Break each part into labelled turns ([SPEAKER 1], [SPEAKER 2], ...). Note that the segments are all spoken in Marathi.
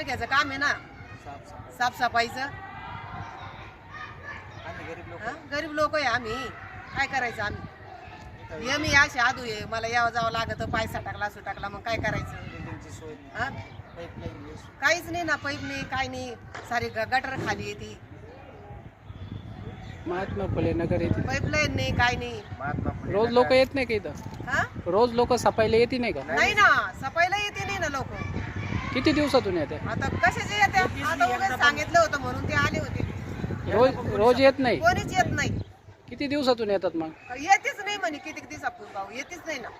[SPEAKER 1] नगरपालिकेचं काम आहे ना, साफसफाईचं. गरीब लोक आहे आम्ही, काय करायचं आम्ही. ये मी अशी आदू आहे, मला यावं जावं लागत, पैसा टाकला सुटाकला, मग काय करायचं. हा? काहीच नाही ना, पाईप नाही, काय नाही, सारी गटर खाली येते,
[SPEAKER 2] महात्मा फुले नगर येते.
[SPEAKER 1] पाईपलाईन नाही, काय नाही.
[SPEAKER 2] रोज लोक येत नाही का इथं?
[SPEAKER 1] हा?
[SPEAKER 2] रोज लोक सफाईला येते नाही का?
[SPEAKER 1] नाही ना, सफाईला येते नाही ना लोक.
[SPEAKER 2] किती दिवसातून येते?
[SPEAKER 1] आता कशाचे येते, आता उगाच सांगितलं होतं म्हणून ते आले होते.
[SPEAKER 2] रोज येत नाही.
[SPEAKER 1] कोणीच येत नाही.
[SPEAKER 2] किती दिवसातून येतात मग?
[SPEAKER 1] येतेच नाही म्हणे, किती दिवसापूर्वी भाऊ येतेच नाही ना.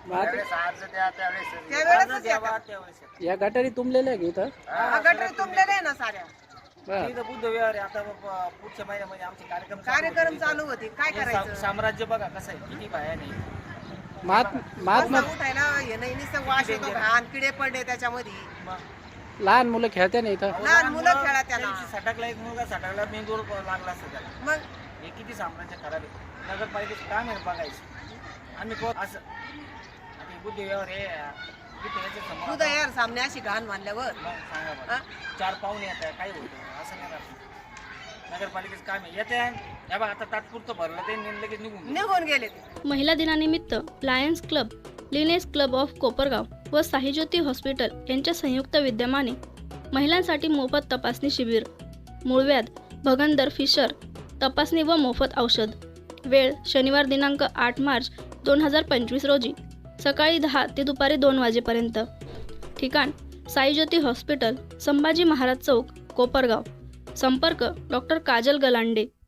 [SPEAKER 2] मग
[SPEAKER 1] त्यावेळेस
[SPEAKER 2] या गटारी तुंबलेल्या आहे का इथं?
[SPEAKER 1] गटर तुंबलेले आहे ना साऱ्या.
[SPEAKER 2] बरं.
[SPEAKER 3] बुद्धविहार आहे. आता पुढच्या महिन्यामध्ये आमचे
[SPEAKER 1] कार्यक्रम चालू होते, काय करायचं.
[SPEAKER 3] साम्राज्य बघा कसं आहे, किती बाया नाही.
[SPEAKER 2] महात्मा
[SPEAKER 1] उठायला हे नाही, नुसतं वास येतो, घाण किडे पडले त्याच्यामध्ये.
[SPEAKER 2] लहान मुलं खेळते नाही इथं?
[SPEAKER 1] लहान मुलं खेळा त्याला.
[SPEAKER 3] सटकला एक मुलगा सटकला, मेंदूर लागला असतं त्याला.
[SPEAKER 1] मग
[SPEAKER 3] हे किती साम्राज्य खराब आहे. नगरपालिकेचं काम आहे बघायचं. आम्ही असं बुद्धविहार हे
[SPEAKER 1] तुझं यार सामने अशी घाण मानल्यावर
[SPEAKER 3] सांगा
[SPEAKER 1] हा?
[SPEAKER 3] चार पाहुणे येत काय होतं असं नाही राहत. नगरपालिकेचं काम आहे, येते हे बघा आता तात्पुरतं भरलं ते लगेच
[SPEAKER 1] निघून गेले ते.
[SPEAKER 4] महिला दिनानिमित्त Lions club, Lioness club of Kopargaon व साईज्योती हॉस्पिटल यांच्या संयुक्त विद्यमाने महिलांसाठी मोफत तपासणी शिबिर. मूळव्याध, भगंदर, फिशर तपासणी व मोफत औषध. वेळ शनिवार दिनांक 8 मार्च 2025 रोजी सकाळी 10 ते दुपारी 2 वाजेपर्यंत. ठिकाण साईज्योती हॉस्पिटल, संभाजी महाराज चौक, कोपरगाव. संपर्क डॉक्टर काजल गलांडे.